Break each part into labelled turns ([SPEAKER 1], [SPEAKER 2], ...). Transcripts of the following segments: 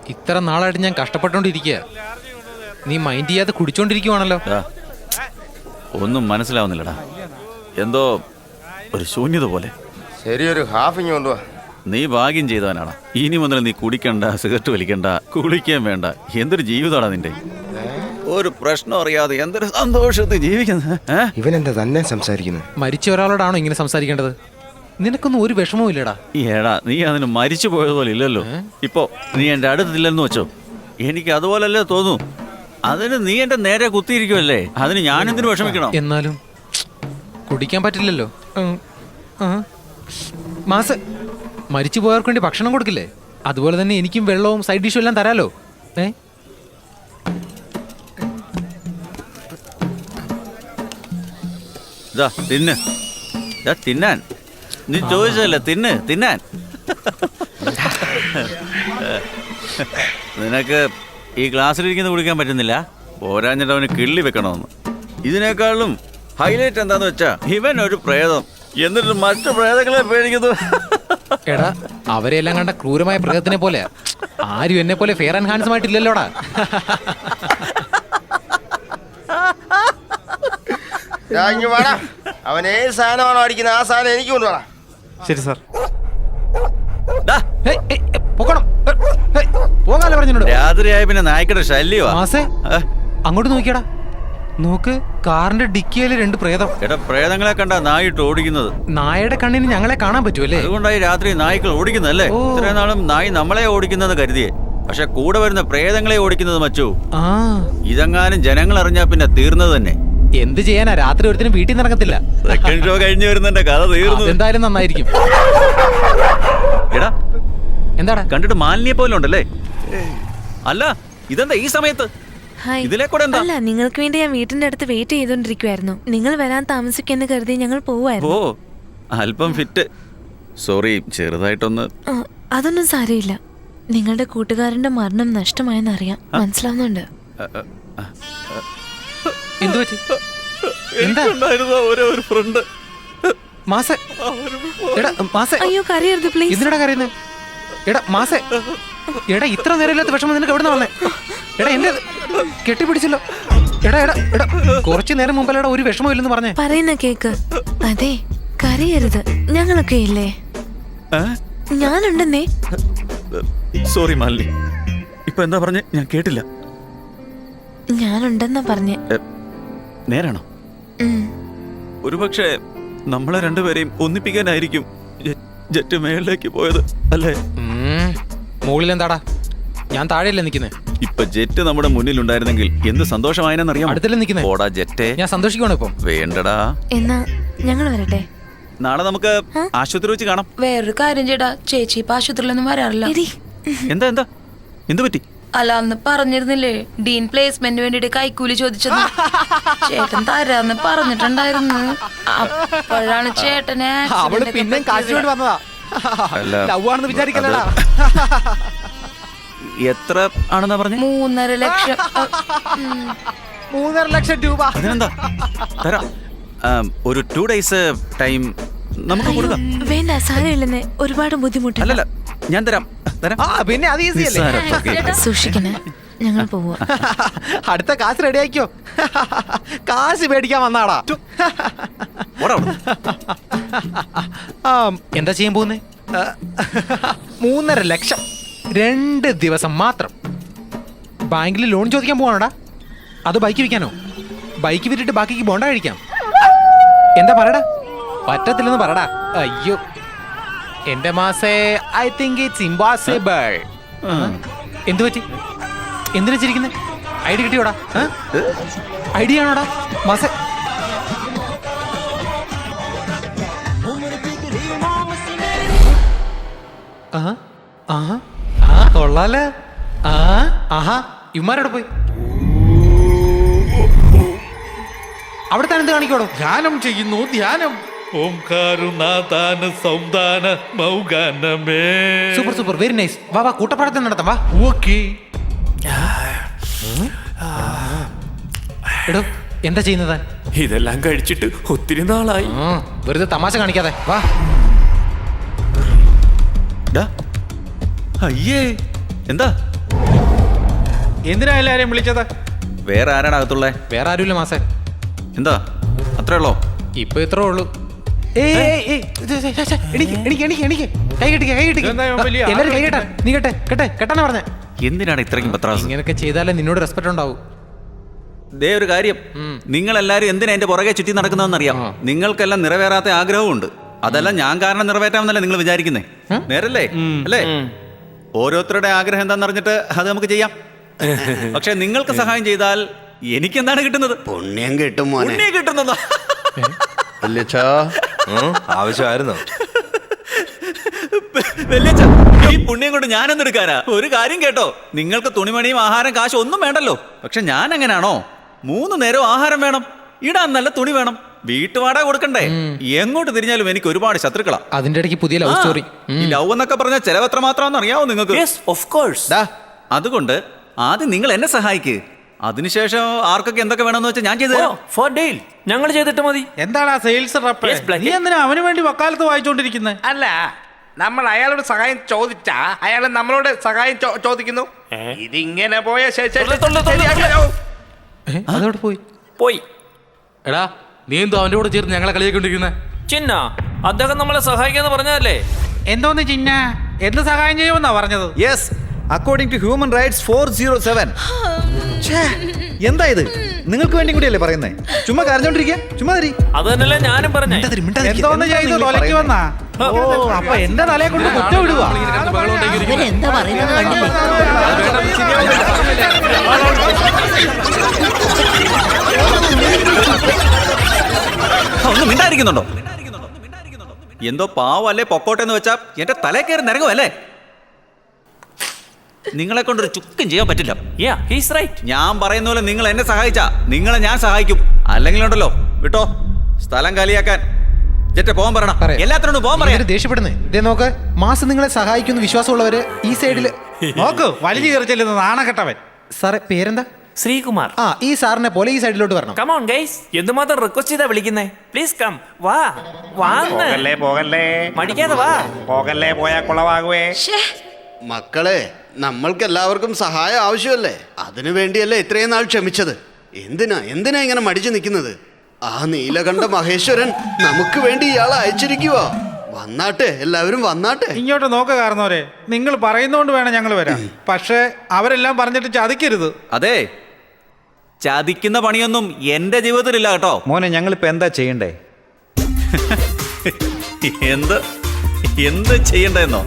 [SPEAKER 1] ഇത്ര നാളായിട്ട് ഞാൻ കഷ്ടപ്പെട്ടുകൊണ്ടിരിക്കുക. നീ മൈൻഡ് ചെയ്യാതെ കുടിച്ചോണ്ടിരിക്കുവാണല്ലോ.
[SPEAKER 2] ഒന്നും മനസ്സിലാവുന്നില്ലടാ, എന്തോ ഒരു ശൂന്യത പോലെ.
[SPEAKER 3] ശരിയൊരു ഹാഫിങ് കൊണ്ടുപോവാ.
[SPEAKER 2] നീ ഭാഗ്യം ചെയ്തവനാണ്. ഇനി മുതൽ നീ കുടിക്കണ്ട, സിഗരറ്റ് വലിക്കണ്ട, കുളിക്കാൻ വേണ്ട. എന്തൊരു ജീവിതമാണ് നിന്റെ. ഒരു പ്രശ്നം അറിയാതെ എന്തൊരു സന്തോഷത്തിൽ ജീവിക്കുന്നത്.
[SPEAKER 3] ഇവനെന്താ തന്നെ സംസാരിക്കുന്നത്?
[SPEAKER 1] മരിച്ച ഒരാളോടാണോ ഇങ്ങനെ സംസാരിക്കേണ്ടത്? നിനക്കൊന്നും ഒരു വിഷമവും ഇല്ലടാ.
[SPEAKER 2] ഏടാ, നീ അതിന് മരിച്ചു പോയതുപോലെ ഇല്ലല്ലോ. ഇപ്പോ നീ എൻ്റെ അടുത്തില്ലെന്ന് വെച്ചോ, എനിക്ക് അതുപോലല്ലേ തോന്നൂ. അതിന് നീ എൻ്റെ നേരെ കുത്തിയിരിക്കുമല്ലേ, അതിന് ഞാനെന്തിനു വിഷമിക്കണം?
[SPEAKER 1] എന്നാലും കുടിക്കാൻ പറ്റില്ലല്ലോ. മാസ മരിച്ചു പോയവർക്ക് വേണ്ടി ഭക്ഷണം കൊടുക്കില്ലേ? അതുപോലെ തന്നെ എനിക്കും വെള്ളവും സൈഡ് ഡിഷും എല്ലാം തരാലോ.
[SPEAKER 2] തിന്ന്, തിന്നാൻ. നീ ചോദിച്ചതല്ലേ, തിന്നാൻ. നിനക്ക് ഈ ഗ്ലാസ്സിലിരിക്കുന്നത് കുടിക്കാൻ പറ്റുന്നില്ല, പോരാഞ്ഞിട്ട് അവന് കിള്ളി വെക്കണമെന്ന്. ഇതിനേക്കാളും ഹൈലൈറ്റ് എന്താന്ന് വെച്ചാ, ഇവൻ ഒരു പ്രേതം, എന്നിട്ട് മറ്റു പ്രേതങ്ങളെ പേടിക്കുന്നു.
[SPEAKER 1] എടാ, അവരെല്ലാം കണ്ട ക്രൂരമായ പ്രേതത്തിനെ പോലെ. ആരും എന്നെ പോലെ ഫെയർ ആൻഡ് ഹാൻഡ്സം ആയിട്ടില്ലല്ലോടാ.
[SPEAKER 3] അവൻ ഏത് സാധനമാണോ അടിക്കുന്നത് ആ സാധനം എനിക്ക് കൊണ്ടുപോടാ.
[SPEAKER 1] ശരി സാർ. പോകാലോ പറഞ്ഞോട്.
[SPEAKER 2] രാത്രിയായ പിന്നെ നായ്ക്കടെ ശല്യമാ.
[SPEAKER 1] മാസേ അങ്ങോട്ട് നോക്കിയടാ, നോക്ക്, കാറിന്റെ ഡിക്കിയില് 2 പ്രേതം.
[SPEAKER 2] എടാ, പ്രേതങ്ങളെ കണ്ടാ നായിട്ട് ഓടിക്കുന്നത്.
[SPEAKER 1] നായയുടെ കണ്ണിന് ഞങ്ങളെ കാണാൻ പറ്റുമല്ലേ?
[SPEAKER 2] അതുകൊണ്ടായി രാത്രി നായ്ക്കൾ ഓടിക്കുന്നതല്ലേ. ഇത്രയും നാളും നായി നമ്മളെ ഓടിക്കുന്നത് കരുതിയേ, പക്ഷെ കൂടെ വരുന്ന പ്രേതങ്ങളെ ഓടിക്കുന്നത് മച്ചു. ഇതെങ്ങാനും ജനങ്ങൾ അറിഞ്ഞാ പിന്നെ തീർന്നത് തന്നെ.
[SPEAKER 1] എന്ത് ചെയ്യാനാ, രാത്രി ഒരുത്തിനും വീട്ടിൽ നിന്ന് ഇറങ്ങത്തില്ല.
[SPEAKER 2] സെക്കൻഡ് ഷോ കഴിഞ്ഞു വരുന്നതിന്റെ കഥ തീർന്നു.
[SPEAKER 1] എന്തായാലും നന്നായിരിക്കും.
[SPEAKER 2] എടാ,
[SPEAKER 1] എന്താടാ
[SPEAKER 2] കണ്ടിട്ട് മാലിന്യെ പോലെ ഉണ്ടല്ലേ? അല്ല, ഇതെന്താ ഈ സമയത്ത് ഇതിലെ കൂടെ? എന്താ?
[SPEAKER 4] അല്ല, നിങ്ങൾക്ക് വേണ്ടി ഞാൻ വീട്ടിന്റെ അടുത്ത് വെയിറ്റ് ചെയ്തോണ്ടിരിക്കുവായിരുന്നു. നിങ്ങൾ വരാൻ താമസിക്കുമെന്ന് കരുതി ഞങ്ങൾ പോവായിരുന്നു.
[SPEAKER 2] ഓ, അല്പം ഫിറ്റ്. സോറി, ചെറുതായിട്ടൊന്ന്.
[SPEAKER 4] അതൊന്നും സാരമില്ല. നിങ്ങളുടെ കൂട്ടുകാരന്റെ മരണം നഷ്ടമായെന്നറിയാം, മനസ്സിലാവുന്നുണ്ട്.
[SPEAKER 1] എന്തു പറ്റി?
[SPEAKER 2] ഒരു ഫ്രണ്ട്.
[SPEAKER 4] അയ്യോ, കരയരുത് പ്ലീസ്.
[SPEAKER 1] എന്തിനാ കരയുന്നത്? എടാ മാസേ, എടാ ഇത്ര നേരമില്ലാത്ത വിഷമം നിനക്ക് എവിടെ നിന്ന് വന്നേ? എടാ എന്റെ കെട്ടിപ്പിടിച്ചല്ലോ. എടാ എടാ എടാ, കുറച്ചു നേരം മുമ്പല്ലടാ ഒരു വിഷമം ഇല്ലെന്ന് പറഞ്ഞേ.
[SPEAKER 4] പറയുന്ന കേക്ക്. അതെ, കരയരുത്, ഞങ്ങളൊക്കെ ഇല്ലേ, ഞാനുണ്ടെന്നേ.
[SPEAKER 2] സോറി മാലിനി, ഇപ്പൊ എന്താ പറഞ്ഞേ? ഞാൻ കേട്ടില്ല.
[SPEAKER 4] ഞാനുണ്ടെന്നാ പറഞ്ഞേ.
[SPEAKER 2] നേരാണോ? ഒരുപക്ഷെ നമ്മളെ രണ്ടുപേരെയും ഒന്നിപ്പിക്കാനായിരിക്കും ജെറ്റ് മേളിലേക്ക് പോയത് അല്ലേ?
[SPEAKER 1] മുകളിൽ എന്താടാ, ഞാൻ താഴെയല്ലേ നിൽക്കുന്നേ.
[SPEAKER 2] ഇപ്പൊ ജെറ്റ് നമ്മുടെ മുന്നിൽ ഉണ്ടായിരുന്നെങ്കിൽ എന്ത് സന്തോഷമായെന്നറിയാം.
[SPEAKER 1] അടുത്തല്ലേ നിൽക്കുന്നേ.
[SPEAKER 2] ഓടാ ജെറ്റേ, ഞാൻ
[SPEAKER 1] സന്തോഷിക്കണോ ഇപ്പം?
[SPEAKER 2] വേണ്ടടാ.
[SPEAKER 4] എന്നാ ഞങ്ങൾ വരട്ടെ.
[SPEAKER 2] നാളെ നമുക്ക് ആശുപത്രി വെച്ച് കാണാം.
[SPEAKER 5] വേറൊരു കാര്യം ചേട്ടാ, ചേച്ചി ഇപ്പൊ ആശുപത്രിയിലൊന്നും വരാറില്ല.
[SPEAKER 2] എന്താ എന്താ എന്ത് പറ്റി?
[SPEAKER 5] അല്ല, അന്ന് പറഞ്ഞിരുന്നില്ലേ ഡീൻ പ്ലേസ്മെന്റ് വേണ്ടിട്ട് കൈക്കൂലി ചോദിച്ചത്. ചേട്ടൻ തരാന്ന് പറഞ്ഞിട്ടുണ്ടായിരുന്നു. അപ്പോഴാണ് ചേട്ടനെ
[SPEAKER 1] പിന്നെ കാശുകൊണ്ട് വന്നതാ. ലവ്വാണെന്ന് വിചാരിക്കലടാ.
[SPEAKER 2] എത്ര ആണെന്നാ പറഞ്ഞേ?
[SPEAKER 5] 3.5 ലക്ഷം.
[SPEAKER 1] 3.5 ലക്ഷം രൂപ.
[SPEAKER 2] അതിനെന്താ, തരാം. ഒരു 2 days ടൈം നമുക്ക് കൊടുക്കാം.
[SPEAKER 4] വേണ്ട, സാരമില്ലെന്നേ, ഒരുപാട് ബുദ്ധിമുട്ട്.
[SPEAKER 2] അല്ലല്ല, ഞാൻ തരാം.
[SPEAKER 1] പിന്നെ അത് ഈസി അല്ലേ?
[SPEAKER 4] സൂക്ഷിക്കണേ, ഞങ്ങൾ പോവാ.
[SPEAKER 1] അടുത്ത കാശ് റെഡി ആക്കിയോ? കാശ് മേടിക്കാൻ വന്നാടാ. എന്താ ചെയ്യാൻ പോകുന്നേ? 3.5 ലക്ഷം 2 ദിവസം മാത്രം. ബാങ്കിൽ ലോൺ ചോദിക്കാൻ പോവാണോടാ? അത് ബൈക്ക് വിൽക്കാനോ? ബൈക്ക് വിറ്റിട്ട് ബാക്കിക്ക് ബോണ്ട കഴിക്കാം. എന്താ പറയടാ? പറ്റത്തില്ലെന്ന് പറടാ. അയ്യോ എന്റെ മാസേ, ഐ തിങ്ക് ഇറ്റ്സ് ഇംപോസിബിൾ. എന്തു പറ്റി? എന്തിനാ ചിരിക്കുന്നേ? ഐഡി കിട്ടിയോടാ? ഐഡിയ ആണോടാ മാസേ? കൊള്ളാലേ. ഇവന്മാരോടെ പോയി അവിടെ തന്നെ എന്ത് കാണിക്കോടോ?
[SPEAKER 6] ധ്യാനം ചെയ്യുന്നു, ധ്യാനം.
[SPEAKER 1] Super super, very nice. വാ വാ, കൂട്ടപ്പാടത്തിൽ നടത്താം. വാ.
[SPEAKER 6] ഓക്കേ.
[SPEAKER 1] എടോ, എന്താ ചെയ്യുന്നത്?
[SPEAKER 6] ഇതെല്ലാം കഴിച്ചിട്ട് ഒത്തിരി നാളായി.
[SPEAKER 1] വെറുതെ തമാശ കാണിക്കാതെ വാ.
[SPEAKER 2] അയ്യേ, എന്താ
[SPEAKER 6] എന്തിനാ എല്ലാരെയും വിളിച്ചത്?
[SPEAKER 2] വേറെ ആരാണ് അകത്തുള്ളേ?
[SPEAKER 1] വേറെ ആരുമില്ല മാസേ.
[SPEAKER 2] എന്താ അത്രേ ഉള്ളോ?
[SPEAKER 1] ഇപ്പൊ ഇത്രേ ഉള്ളൂ. കൈ കെട്ടിക്ക.
[SPEAKER 6] ഇതെന്താ ഇവൻ വലിയ
[SPEAKER 1] എല്ലാരും കൈ കെട്ടാ. നീ കെട്ടാനാ പറഞ്ഞേ.
[SPEAKER 2] എന്തിനാണ് ഇത്രയ്ക്കും പത്രാസ്?
[SPEAKER 1] ഇങ്ങനൊക്കെ ചെയ്താലേ നിന്നോട് റെസ്പെക്ട് ഉണ്ടാവും.
[SPEAKER 2] ദേ ഒരു കാര്യം, നിങ്ങൾ എല്ലാരും എന്തിനാ എന്റെ പുറകെ ചുറ്റി നടക്കുന്നതെന്നറിയാം. നിങ്ങൾക്കെല്ലാം നിറവേറാത്ത ആഗ്രഹമുണ്ട്. അതെല്ലാം ഞാൻ കാരണം നിറവേറ്റാമെന്നല്ലേ നിങ്ങൾ വിചാരിക്കുന്നേ? നേരല്ലേ അല്ലേ? ഓരോരുത്തരുടെ ആഗ്രഹം എന്താണെന്ന് അറിഞ്ഞിട്ട് അത് നമുക്ക് ചെയ്യാം. പക്ഷെ നിങ്ങൾക്ക് സഹായം ചെയ്താൽ എനിക്ക് എന്താണ് കിട്ടുന്നത്?
[SPEAKER 7] പുണ്യം കിട്ടും മോനെ.
[SPEAKER 2] പുണ്യം കിട്ടുന്നതാ.
[SPEAKER 3] ആവശ്യമായിരുന്നു.
[SPEAKER 2] വല്യച്ഛ, ഈ പുണ്യം കൊണ്ട് ഞാനെന്നെടുക്കാനാ? ഒരു കാര്യം കേട്ടോ, നിങ്ങൾക്ക് തുണിമണിയും ആഹാരം കാശ് ഒന്നും വേണ്ടല്ലോ. പക്ഷെ ഞാൻ എങ്ങനെയാണോ, 3 നേരവും ആഹാരം വേണം, ഇടാൻ നല്ല തുണി വേണം, വീട്ടുവാടക കൊടുക്കണ്ടേ? എങ്ങോട്ട് തിരിഞ്ഞാലും എനിക്ക് ഒരുപാട് ശത്രുക്കളാ.
[SPEAKER 1] അതിന്റെ ഇടയ്ക്ക് പുതിയ ലവ് സ്റ്റോറി.
[SPEAKER 2] ഈ ലവ് എന്നൊക്കെ പറഞ്ഞാൽ ചെലവ് എത്ര മാത്രമാണെന്ന് അറിയാവോ നിങ്ങൾക്ക്? അതുകൊണ്ട് ആദ്യം നിങ്ങൾ എന്നെ സഹായിക്ക്. അതിനുശേഷം ആർക്കൊക്കെ എന്തൊക്കെ വേണമെന്ന് വെച്ചാൽ ഞാൻ ചെയ്തു
[SPEAKER 6] ഫോർ ഡെയിൽ ഞങ്ങൾ ചെയ്തിട്ട് മതി.
[SPEAKER 8] എന്താണ് ആ സെയിൽസ് റപ്പ്? നീ എന്തിനാ അവന് വേണ്ടി വക്കാലത്ത് വായിച്ചോണ്ടിരിക്കുന്നത്?
[SPEAKER 9] അല്ല, നമ്മൾ അയാളോട് സഹായം ചോദിച്ചാ അയാൾ നമ്മളോട് സഹായം ചോദിക്കുന്നു. ഇതിങ്ങനെ പോയ
[SPEAKER 1] അതോടെ
[SPEAKER 6] പോയി.
[SPEAKER 8] എടാ, നീ എന്തോ അവന്റെ കൂടെ ചേർന്ന് ഞങ്ങളെ കളിയാക്കൊണ്ടിരിക്കുന്നത്?
[SPEAKER 6] ചിന്ന അദ്ദേഹം നമ്മളെ സഹായിക്കാന്ന് പറഞ്ഞതല്ലേ?
[SPEAKER 8] എന്തോന്ന് ചിന്ന, എന്ത് സഹായം ചെയ്യുമെന്നാ പറഞ്ഞത്?
[SPEAKER 10] Yes, according to human rights 407. എന്താ ഇത്? നിങ്ങൾക്ക് വേണ്ടി കൂടിയല്ലേ പറയുന്നേ? ചുമ്മാ കരഞ്ഞോണ്ടിരിക്കുക, ചുമ്മാ തരി.
[SPEAKER 6] അത് തന്നെയല്ലേ ഞാനും പറഞ്ഞേ.
[SPEAKER 8] എന്തോന്ന് ചെയ്ത് തൊലയ്ക്ക് വന്നാ? ഓ, അപ്പൊ എന്റെ തലയെ കൊണ്ട് കുറ്റ വിടുക.
[SPEAKER 5] എന്താ പറയുന്നത് കണ്ടില്ലേ?
[SPEAKER 2] ഒന്നും മിണ്ടായിരിക്കുന്നുണ്ടോ? എന്തോ പാവല്ലേ പൊക്കോട്ടെ എന്ന് വെച്ചാ എന്റെ തലേ കയറി നിരങ്ങുമല്ലേ? നിങ്ങളെ കൊണ്ടൊരു ചുക്കും ചെയ്യാൻ പറ്റില്ല. ഞാൻ പറയുന്ന പോലെ നിങ്ങൾ എന്നെ സഹായിച്ചാ നിങ്ങളെ ഞാൻ സഹായിക്കും. അല്ലെങ്കിൽ ഉണ്ടല്ലോ വിട്ടോ, സ്ഥലം കാലിയാക്കാൻ പോകാൻ പറയണം. എല്ലാത്തിനോടും പോകാൻ പറയാം.
[SPEAKER 1] ദേഷ്യപ്പെടുന്നേ. ഇതേ നോക്ക്, മാസം നിങ്ങളെ സഹായിക്കുന്ന വിശ്വാസമുള്ളവര് ഈ സൈഡില്
[SPEAKER 8] നോക്ക്, വലിച്ചു കയറി ചെല്ലുന്ന നാണക്കെട്ടവൻ.
[SPEAKER 1] സാറേ പേരെന്താ?
[SPEAKER 6] ശ്രീകുമാർ.
[SPEAKER 1] ആ, ഈ സാറിനെ പോലെ ഈ സൈഡിലോട്ട് വരണം.
[SPEAKER 6] കം ഓൺ ഗയ്സ്, എന്തുമാത്രം റിക്വസ്റ്റ് ചെയ്താ വിളിക്കുന്നേ? പ്ലീസ് കം, വാ വാന്ന്.
[SPEAKER 9] പോകല്ലേ
[SPEAKER 6] മടിക്കാതെ വാ.
[SPEAKER 9] പോകല്ലേ, പോയാ കുളവാകുവേ.
[SPEAKER 7] മക്കളെ, നമ്മൾക്ക് എല്ലാവർക്കും സഹായം ആവശ്യമല്ലേ? അതിനു വേണ്ടിയല്ലേ ഇത്രയും നാൾ ക്ഷമിച്ചത്? എന്തിനാ ഇങ്ങനെ മടിച്ചു നിൽക്കുന്നത്? ആ നീലകണ്ഠ മഹേശ്വരൻ നമുക്ക് വേണ്ടി ഇയാളെ അയച്ചിരിക്കുവോ? വന്നാട്ടെ, എല്ലാവരും വന്നാട്ടെ.
[SPEAKER 8] ഇങ്ങോട്ട് നോക്ക കാരണവരെ, നിങ്ങൾ പറയുന്നോണ്ട് വേണം ഞങ്ങൾ വരാം. പക്ഷെ അവരെല്ലാം പറഞ്ഞിട്ട് ചതിക്കരുത്.
[SPEAKER 2] അതെ, ചതിക്കുന്ന പണിയൊന്നും എന്റെ ജീവിതത്തിലില്ല കേട്ടോ.
[SPEAKER 10] മോനെ, ഞങ്ങളിപ്പോ എന്താ ചെയ്യണ്ടേ?
[SPEAKER 2] എന്ത് ചെയ്യണ്ടെന്നോ?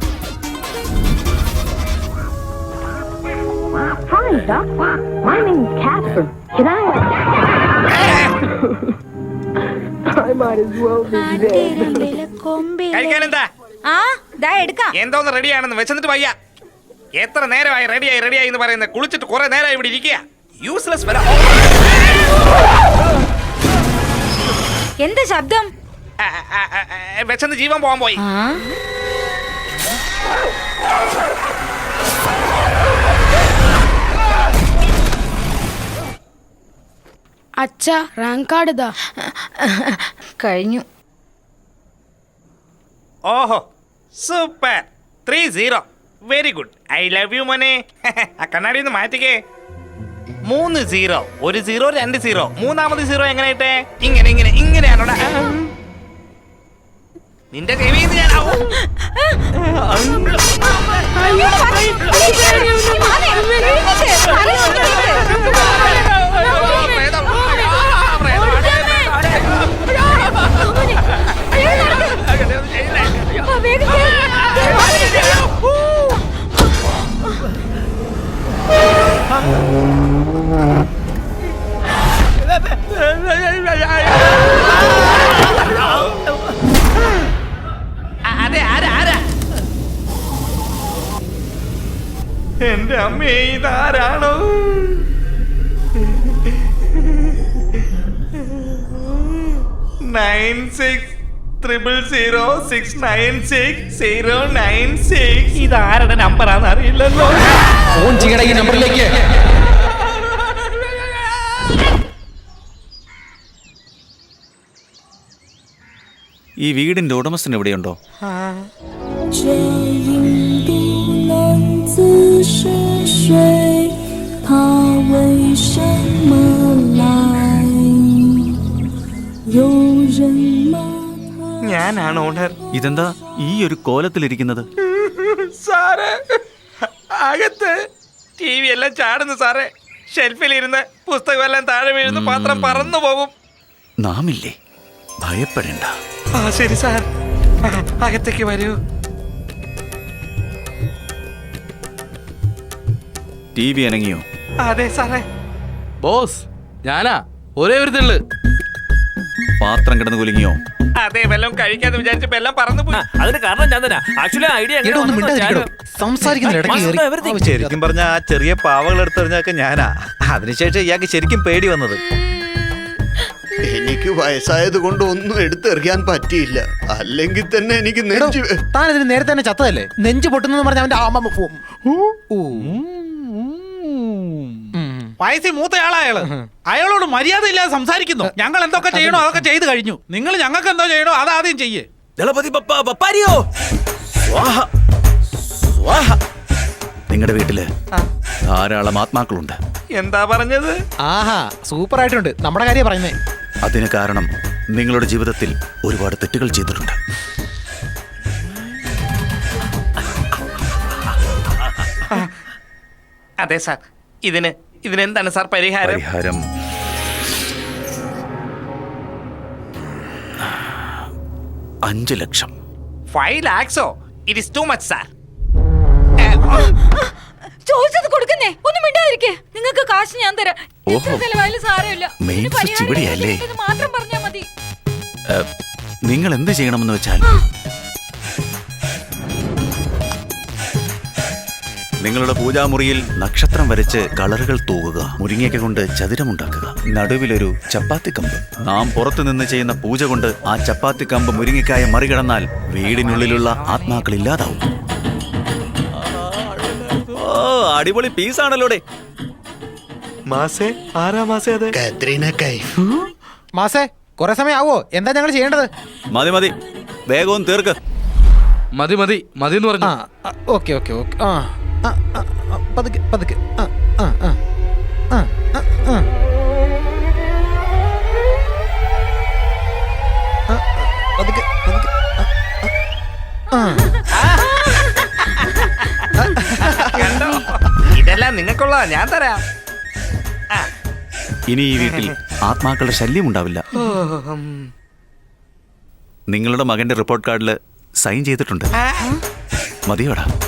[SPEAKER 11] Hi, Doc. My name is Casper. Can I? I might as well be dead.
[SPEAKER 9] കഴിക്കാനെന്താ? എന്തോന്ന് റെഡിയാണെന്ന് വെച്ചിട്ട് വയ്യ. എത്ര നേരമായി റെഡിയായി എന്ന് പറയുന്നത്? കുളിച്ചിട്ട് കുറെ നേരമായി ഇവിടെ ഇരിക്കുക. Useless fellow.
[SPEAKER 5] എന്താ ശബ്ദം?
[SPEAKER 9] വെച്ചെന്ന് ജീവൻ പോകാൻ പോയി.
[SPEAKER 11] അച്ഛാ, റാങ്ക് കാർഡ് ഇതാ.
[SPEAKER 5] കഴിഞ്ഞു.
[SPEAKER 9] ഓഹോ, super. 3-0. Very good. I love you മോനെ. ആ കണ്ണാടി ഒന്ന് മാറ്റിക്കേ. 3-0. 1 0 2 0. മൂന്നാമത് 0 എങ്ങനെയായിട്ടെ? ഇങ്ങനെയാണോടാ? നിന്റെ കൈവീന്ന് ഞാൻ അതെ, ആരാ? എന്റെ അമ്മേ, ഇതാരാണോ? ഇതാരുടെ നമ്പറാന്ന് അറിയില്ലല്ലോ.
[SPEAKER 1] ഫോൺ ചെയ്യണ ഈ നമ്പറിലേക്ക്.
[SPEAKER 2] ഈ വീടിന്റെ ഉടമസ്ഥൻ എവിടെയുണ്ടോ?
[SPEAKER 9] ഞാനാണ് ഓണർ.
[SPEAKER 2] ഇതെന്താ ഈ ഒരു കോലത്തിലിരിക്കുന്നത്?
[SPEAKER 9] സാറേ, അകത്ത് ടി വി എല്ലാം ചാടുന്നു സാറേ. ഷെൽഫിലിരുന്ന് പുസ്തകമെല്ലാം താഴെ വീഴുന്നു, പാത്രം പറന്നു പോകും.
[SPEAKER 2] നാമില്ലേ, ഭയപ്പെടേണ്ട.
[SPEAKER 9] ആ ശരി സാർ, അകത്തേക്ക് വരൂ.
[SPEAKER 2] ടി വി അനങ്ങിയോ?
[SPEAKER 9] അതെ സാറേ.
[SPEAKER 6] ബോസ് ഞാനാ, ഒരേ ഒരു തെള്ളു.
[SPEAKER 2] പാത്രം കിടന്ന് കുലുങ്ങിയോ?
[SPEAKER 9] അതെ, വല്ലതും കഴിക്കാന്ന് വിചാരിച്ചപ്പോ എല്ലാം പറന്നു പോയി.
[SPEAKER 6] അതിന് കാരണം ഞാൻ തന്നെ. ആക്ച്വലി ഐഡിയ
[SPEAKER 1] എടോ, ഒന്ന് മിണ്ടാതിരിക്കടോ. സംസാരിക്കുന്നില്ല, ഇടയ്ക്ക് കയറി.
[SPEAKER 10] ശരിക്കും പറഞ്ഞ ആ ചെറിയ പാവകൾ എടുത്തെറിഞ്ഞൊക്കെ ഞാനാ. അതിനുശേഷം ഇയാൾക്ക് ശരിക്കും പേടി വന്നത്.
[SPEAKER 7] എനിക്ക് വയസ്സായത് കൊണ്ട് ഒന്നും എടുത്തെറിയാൻ പറ്റിയില്ല. അല്ലെങ്കിൽ തന്നെ എനിക്ക്
[SPEAKER 1] എടോ,
[SPEAKER 7] നെഞ്ച്
[SPEAKER 1] താൻ ഇതിന് നേരത്തെ തന്നെ ചത്തതല്ലേ? നെഞ്ച് പൊട്ടുന്നെന്ന് പറഞ്ഞ അവന്റെ
[SPEAKER 8] വയസ്സിൽ മൂത്തയാളായാള് അയാളോട് മര്യാദ ഇല്ലാതെ സംസാരിക്കുന്നു. ഞങ്ങൾ എന്തൊക്കെ ചെയ്യണോ അതൊക്കെ ചെയ്തു കഴിഞ്ഞു. നിങ്ങൾ ഞങ്ങൾക്ക് എന്തോ ചെയ്യണോ അത് ആദ്യം ചെയ്യേ.
[SPEAKER 6] ദളപതി പപ്പ പപ്പാരിയോ.
[SPEAKER 2] നിങ്ങളുടെ വീട്ടില് ധാരാളം ആത്മാക്കളുണ്ട്.
[SPEAKER 9] എന്താ പറഞ്ഞത്?
[SPEAKER 1] ആഹാ, സൂപ്പർ ആയിട്ടുണ്ട്. നമ്മുടെ കാര്യം പറയുന്നേ.
[SPEAKER 2] അതിന് കാരണം നിങ്ങളുടെ ജീവിതത്തിൽ ഒരുപാട് തെറ്റുകൾ ചെയ്തിട്ടുണ്ട്.
[SPEAKER 9] അതെ സാർ, ഇതിനെന്താണ് സാർ പരിഹാരം?
[SPEAKER 2] പരിഹാരം 5 ലക്ഷം.
[SPEAKER 9] 5 lakhs? It is too much sir.
[SPEAKER 5] ചോദിച്ചത് കൊടുക്കുന്നേ, ഒന്നും മിണ്ടാതിരിക്കേ. നിങ്ങൾക്ക് കാശ് ഞാൻ തരാം.
[SPEAKER 2] ഓഹോ.
[SPEAKER 5] ചെലവായാലും സാരമില്ല.
[SPEAKER 2] മെയിൻ
[SPEAKER 5] ഇതിന്
[SPEAKER 2] സ്വിച്ച്
[SPEAKER 5] പരിഹാരം
[SPEAKER 2] ഇവിടെയല്ലേ?
[SPEAKER 5] ഇത് മാത്രം പറഞ്ഞാ മതി.
[SPEAKER 2] നിങ്ങൾ എന്ത് ചെയ്യണമെന്ന് വെച്ചാൽ നിങ്ങളുടെ പൂജാമുറിയിൽ നക്ഷത്രം വരച്ച് കളറുകൾ തൂകുക. മുരിങ്ങയ്ക്ക കൊണ്ട് ചതുരമുണ്ടാക്കുക. നടുവിലൊരു ചപ്പാത്തി കമ്പ്. നാം പുറത്തു നിന്ന് ചെയ്യുന്ന പൂജ കൊണ്ട് ആ ചപ്പാത്തി കമ്പ് മുരിങ്ങയ്ക്കായ മറികടന്നാൽ വീടിനുള്ളിലുള്ള ആത്മാക്കൾ ഇല്ലാതാവും. ഓ, അടിപൊളി പീസാണല്ലോടെ.
[SPEAKER 9] മാസേ ആരാ മാസേ? അതെ,
[SPEAKER 7] കത്രീന കൈഫ്.
[SPEAKER 1] മാസേ, കുറെ സമയം ആവോ? എന്താ ഞങ്ങൾ ചെയ്യേണ്ടത്?
[SPEAKER 2] മതി മതി, വേഗവും തീർക്ക്.
[SPEAKER 6] മതി മതി മതി എന്ന് പറഞ്ഞു.
[SPEAKER 1] Okay okay okay. പതുക്കെ പതുക്കെ. പതുക്കെ പതുക്കെ.
[SPEAKER 9] കണ്ടോ? ഇതെല്ലാം നിങ്ങൾക്കുള്ള ഞാൻ തരാം.
[SPEAKER 2] ഇനി ഈ വീട്ടിൽ ആത്മാക്കളുടെ ശല്യം ഉണ്ടാവില്ല. നിങ്ങളുടെ മകന്റെ റിപ്പോർട്ട് കാർഡിൽ സൈൻ ചെയ്തിട്ടുണ്ട്. മതിയോടാ.